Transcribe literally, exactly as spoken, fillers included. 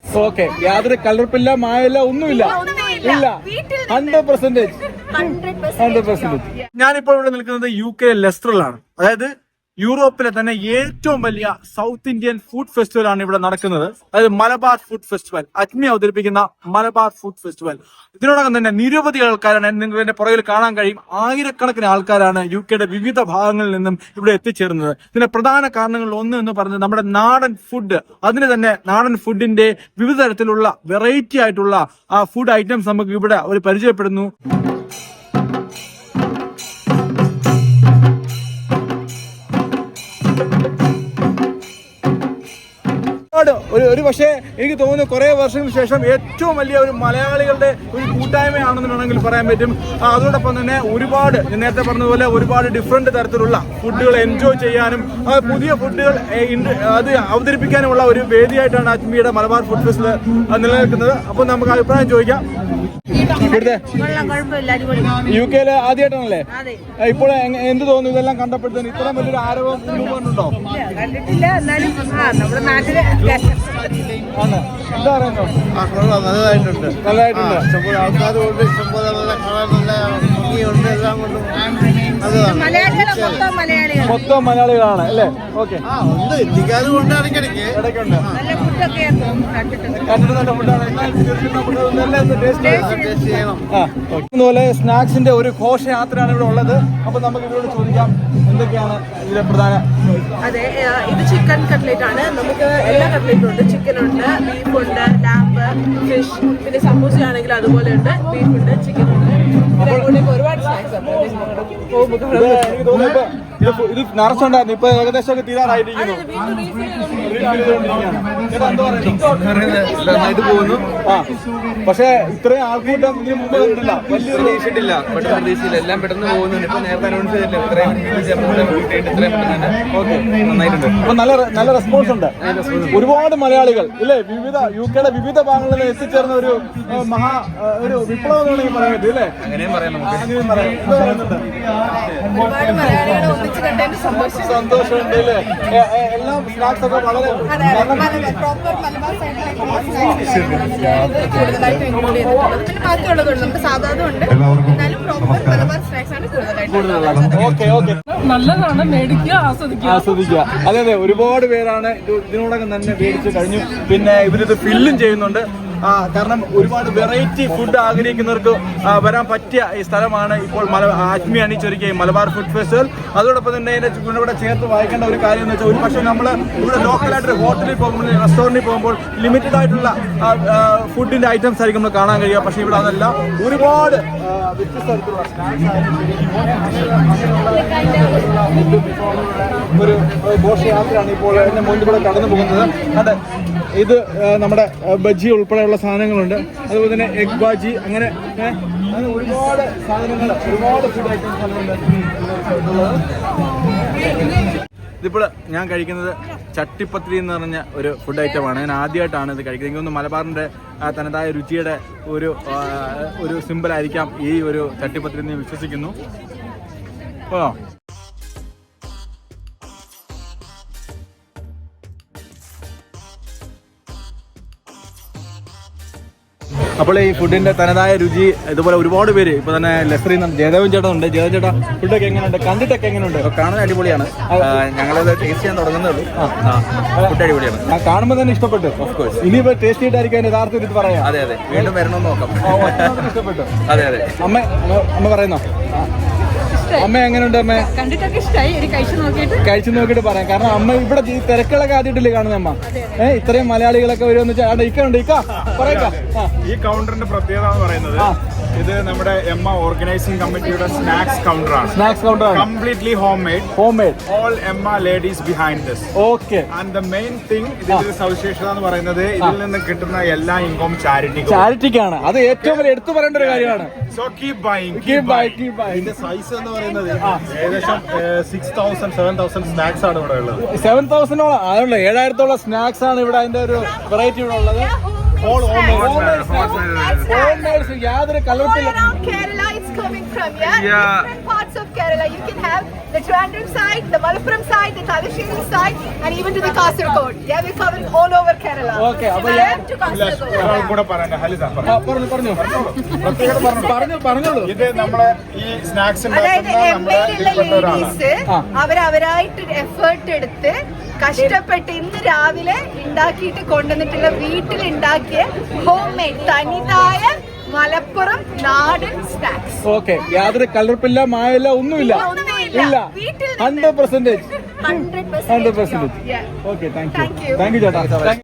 Okay, യാതൊരു കലർപ്പില്ല, മായല്ല, ഒന്നുമില്ല. ഇല്ല, ഹൺഡ്രഡ് പെർസെന്റേജ് ഹൺഡ്രഡ് പെർസെന്റേജ്. ഞാനിപ്പോൾ ഇവിടെ നിൽക്കുന്നത് യു കെ ലെസ്റ്ററിലാണ്. അതായത് യൂറോപ്പിലെ തന്നെ ഏറ്റവും വലിയ സൗത്ത് ഇന്ത്യൻ ഫുഡ് ഫെസ്റ്റിവൽ ആണ് ഇവിടെ നടക്കുന്നത്. അതായത് മലബാർ ഫുഡ് ഫെസ്റ്റിവൽ, അജ്മി അവതരിപ്പിക്കുന്ന മലബാർ ഫുഡ് ഫെസ്റ്റിവൽ. ഇതിനോടകം തന്നെ നിരവധി ആൾക്കാരാണ് നിങ്ങൾക്ക് എന്റെ പുറകിൽ കാണാൻ കഴിയും. ആയിരക്കണക്കിന് ആൾക്കാരാണ് യു കെയുടെ വിവിധ ഭാഗങ്ങളിൽ നിന്നും ഇവിടെ എത്തിച്ചേർന്നത്. ഇതിന്റെ പ്രധാന കാരണങ്ങളിൽ ഒന്ന് എന്ന് പറഞ്ഞത് നമ്മുടെ നാടൻ ഫുഡ്. അതിന് തന്നെ നാടൻ ഫുഡിന്റെ വിവിധ തരത്തിലുള്ള വെറൈറ്റി ആയിട്ടുള്ള ആ ഫുഡ് ഐറ്റംസ് നമുക്ക് ഇവിടെ അവർ പരിചയപ്പെടുന്നു. ഒരു ഒരു പക്ഷേ എനിക്ക് തോന്നുന്നു കുറെ വർഷങ്ങൾക്ക് ശേഷം ഏറ്റവും വലിയ ഒരു മലയാളികളുടെ ഒരു കൂട്ടായ്മയാണെന്ന് വേണമെങ്കിൽ പറയാൻ പറ്റും. അതോടൊപ്പം തന്നെ ഒരുപാട് നേരത്തെ പറഞ്ഞതുപോലെ ഒരുപാട് ഡിഫറെന്റ് തരത്തിലുള്ള ഫുഡുകൾ എൻജോയ് ചെയ്യാനും പുതിയ ഫുഡുകൾ അത് അവതരിപ്പിക്കാനുമുള്ള ഒരു വേദിയായിട്ടാണ് അജ്മിയുടെ മലബാർ ഫുഡ് ഫെസ്റ്റിവൽ നിലനിൽക്കുന്നത്. അപ്പോൾ നമുക്ക് അഭിപ്രായം ചോദിക്കാം. യു കെയില് ആദ്യമായിട്ടാണല്ലേ? ഇപ്പോൾ എന്ത് തോന്നുന്നു ഇതെല്ലാം കണ്ടപ്പോഴത്തേന്? ഇത്രയും വലിയൊരു ആരവം ഉണ്ടോ? എന്താ പറയുന്നത്? നല്ലതായിട്ടുണ്ട്, നല്ലതായിട്ടുണ്ട്. ഇഷ്ടംപോലെ ആൾക്കാരുണ്ട്, ഇഷ്ടംപോലെ നല്ല കാണാൻ നല്ല ഭംഗിയുണ്ട്. എല്ലാം കൊണ്ടും മൊത്തം മലയാളികളാണ് അല്ലേ? ഓക്കെ, ആ ഉണ്ട്, ഇന്ത്യക്കാരും ഉണ്ട്, ഇടയ്ക്കിടയ്ക്ക് ഇടയ്ക്കുണ്ട്. കണ്ടിട്ട് നല്ല ഫുഡാണ്. അതുപോലെ സ്നാക്സിന്റെ ഒരു ഘോഷയാത്രയാണ് ഇവിടെ ഉള്ളത്. അപ്പൊ നമുക്ക് ഇവരോട് ചോദിക്കാം എന്തൊക്കെയാണ് ഇതിലെ പ്രധാന. അതെ, ഇത് ചിക്കൻ കട്ട്ലേറ്റ് ആണ്. നമുക്ക് എല്ലാ കട്ട്ലേറ്റും ഉണ്ട്. ചിക്കൻ ഉണ്ട്, ബീഫ് ഉണ്ട്, ലാമ്പ്, ഫിഷ്, പിന്നെ സമൂസ ആണെങ്കിൽ അതുപോലെ ഉണ്ട്. ബീഫ് ഉണ്ട്, ചിക്കൻ ഉണ്ട്. ഒരുപാട് സ്നാക്സ് ഉണ്ട്. എനിക്ക് തോന്നുന്നു ഇത് നിറച്ചുണ്ടായിരുന്നു, ഇപ്പൊ ഏകദേശം ഒക്കെ തീരാറായിരിക്കുന്നു. നന്നായിട്ട് പോകുന്നു. ആ, പക്ഷെ ഇത്രയും ആൾക്കൂട്ടം ഇതിന് മുമ്പ് കണ്ടില്ല, വലിയൊരു പ്രതീക്ഷിച്ചില്ല. പെട്ടെന്ന് പ്രതീക്ഷയില്ല, എല്ലാം പെട്ടെന്ന് പോകുന്നുണ്ട്. ഇപ്പൊ നേരത്തെ അനൗൺസ് ചെയ്തില്ല ഇത്രയും ഇത്രയും ഓക്കെ, നന്നായിട്ടുണ്ട്. അപ്പൊ നല്ല നല്ല റെസ്പോൺസ് ഉണ്ട്. ഒരുപാട് മലയാളികൾ ഇല്ലേ, വിവിധ യു കെയുടെ വിവിധ ഭാഗങ്ങളിൽ നിന്ന് എത്തിച്ചേർന്ന ഒരു മഹാ ഒരു വിപ്ലവം വേണമെങ്കിൽ പറയാൻ പറ്റും അല്ലേ? അങ്ങനെയും പറയാം നമുക്ക്. അങ്ങനെയും പറയാം. സന്തോഷമുണ്ട് അല്ലേ? എല്ലാം സ്നാക്സ് ഒക്കെ വളരെ ഓക്കെ ഓക്കെ, നല്ലതാണ്, മേടിക്കുക, ആസ്വദിക്കുക ആസ്വദിക്കുക. അതെ അതെ, ഒരുപാട് പേരാണ് ഇതിനോടകം തന്നെ മേടിച്ച് കഴിഞ്ഞു. പിന്നെ ഇവരിത് ഫില്ലും ചെയ്യുന്നുണ്ട്. ആ, കാരണം ഒരുപാട് വെറൈറ്റി ഫുഡ് ആഗ്രഹിക്കുന്നവർക്ക് വരാൻ പറ്റിയ ഈ സ്ഥലമാണ് ഇപ്പോൾ മല അജ്മി അണിച്ചൊരുക്കിയ മലബാർ ഫുഡ് ഫെസ്റ്റിവൽ. അതോടൊപ്പം തന്നെ ഇതിന്റെ ഇവിടെ ചേർത്ത് വായിക്കേണ്ട ഒരു കാര്യം എന്ന് വെച്ചാൽ, ഒരു പക്ഷേ നമ്മൾ ഇവിടെ ലോക്കലായിട്ട് ഹോട്ടലിൽ പോകുമ്പോൾ, റെസ്റ്റോറൻറ്റിൽ പോകുമ്പോൾ ലിമിറ്റഡ് ആയിട്ടുള്ള ഫുഡിന്റെ ഐറ്റംസ് ആയിരിക്കും നമ്മൾ കാണാൻ കഴിയുക. പക്ഷേ ഇവിടെ അതല്ല, ഒരുപാട് വ്യത്യസ്ത തരത്തിലുള്ള ഒരു ഘോഷയാത്രയാണ് ഇപ്പോൾ എന്റെ മുന്നിൽ കൂടെ കടന്നു പോകുന്നത്. അതെ, ഇത് നമ്മുടെ ബജ്ജി ഉൾപ്പെടെയുള്ള സാധനങ്ങളുണ്ട്. അതുപോലെ തന്നെ എഗ് ബാജി, അങ്ങനെ അങ്ങനെ ഒരുപാട് സാധനങ്ങൾ, ഒരുപാട് ഫുഡ് ഐറ്റംസ് ഉണ്ട്. ഇതിപ്പോൾ ഞാൻ കഴിക്കുന്നത് ചട്ടിപ്പത്തിരി എന്ന് പറഞ്ഞ ഒരു ഫുഡ് ഐറ്റമാണ്. ഞാൻ ആദ്യമായിട്ടാണ് ഇത് കഴിക്കുന്നത്. എനിക്കൊന്ന് മലബാറിൻ്റെ തനതായ രുചിയുടെ ഒരു ഒരു സിമ്പിളായിരിക്കാം ഈ ഒരു ചട്ടിപ്പത്തിരി എന്ന് വിശ്വസിക്കുന്നു. ഓ, അപ്പോൾ ഈ ഫുഡിന്റെ തനതായ രുചി ഇതുപോലെ ഒരുപാട് പേര് ഇപ്പൊ തന്നെ ലെസ്സറി ജയദേവൻ ചേട്ടൻ ഉണ്ട്. ജയദേവൻ ചേട്ടാ, ഫുഡൊക്കെ എങ്ങനെയുണ്ട്? കണ്ടിട്ടൊക്കെ എങ്ങനെയുണ്ട്? കാണാൻ അടിപൊളിയാണ്. ഞങ്ങളത് ടേസ്റ്റ് ചെയ്യാൻ തുടങ്ങുന്നുള്ളൂ. ഫുഡ് അടിപൊളിയാണ്. കാണുമ്പോൾ തന്നെ ഇഷ്ടപ്പെട്ടു. Of course. ഇനിയിപ്പോ ടേസ്റ്റ് ചെയ്തായിരിക്കും യഥാർത്ഥത്തിൽ ഇത് പറയാം. അതെ അതെ, വീണ്ടും വരണമെന്ന് നോക്കാം. ഇഷ്ടപ്പെട്ടു. അതെ അതെ. അമ്മ അമ്മ പറയുന്നോ? അമ്മ എങ്ങനെയുണ്ട്? അമ്മ കണ്ടിട്ടൊക്കെ ഇഷ്ടമായി, കഴിച്ചു നോക്കിയിട്ട് കഴിച്ചു നോക്കിയിട്ട് പറയാം. കാരണം അമ്മ ഇവിടെ ഈ തിരക്കുകളൊക്കെ ആദ്യമായിട്ടില്ലേ കാണുന്ന അമ്മ? ഏഹ്, ഇത്രയും മലയാളികളൊക്കെ വരുമെന്ന് വെച്ചാൽ ഇക്കുണ്ട്. ഇക്ക പറയാ, ഈ കൗണ്ടറിന്റെ പ്രത്യേകത എന്ന് പറയുന്നത് ഇത് നമ്മുടെ M A organising committee snacks കൗണ്ടറാണ്. Snacks counter completely home made. Home made. All M A ladies behind this. Okay. And the main thing, ഇതിന്റെ സവിശേഷത എന്ന് പറയുന്നത് ഇതിൽ നിന്ന് കിട്ടുന്ന എല്ലാ ഇൻകം ചാരിറ്റി ചാരിറ്റിക്കാണ്. അത് ഏറ്റവും വലിയ എടുത്തു പറയേണ്ട ഒരു കാര്യമാണ്. So keep buying, keep buying, keep buying. ഇതിന്റെ സൈസ് എന്ന് പറയുന്നത് ഏകദേശം six thousand seven thousand snacks ആണ് ഇവിടെ ഉള്ളത്. സെവൻ തൗസൻഡോളം അതുള്ള ഏഴായിരത്തോളം സ്നാക്സ് ആണ് ഇവിടെ. അതിന്റെ ഒരു വെറൈറ്റി ഇവിടെ ഉള്ളത്. യാതൊരു കലർപ്പില്ല. parts of Kerala. You can have the Trivandrum side, the Malappuram side, the Thalassery side, and even to the Kasaragod. Yeah, we're covering all over Kerala. Okay, അപ്പോൾ Malappuram to Kasaragod. ഒരാൾ കൂടെ പറയണ്ട, ഹലിത പറ. ആ, പറഞ്ഞു പറഞ്ഞു പ്രത്യേകത പറഞ്ഞു. പറഞ്ഞു പറഞ്ഞോളൂ. ഇത് നമ്മളെ ഈ സ്നാക്സ് അതായത് ഉണ്ടാക്കുന്ന എം നമ്മുടെ എയിലുള്ള ഇതിൽപ്പെട്ട ഒരാളാണ്. ലേഡീസ് അവരവരായിട്ട് എഫേർട്ട് എടുത്ത് കഷ്ടപ്പെട്ട് ഇന്ന് രാവിലെ ഉണ്ടാക്കിയിട്ട് കൊണ്ടുവന്നിട്ടുള്ള വീട്ടിൽ ഉണ്ടാക്കിയ ഹോം മെയ്ഡ് തനിതായ മലപ്പുറം നാടൻ സ്നാക്സ്. ഓക്കെ, യാതൊരു കലർപ്പില്ല, മായല്ല, ഒന്നുമില്ല. ഇല്ല, hundred percentage hundred hundred percentage. Okay, thank you Thank you. Thank you ചേട്ടാ.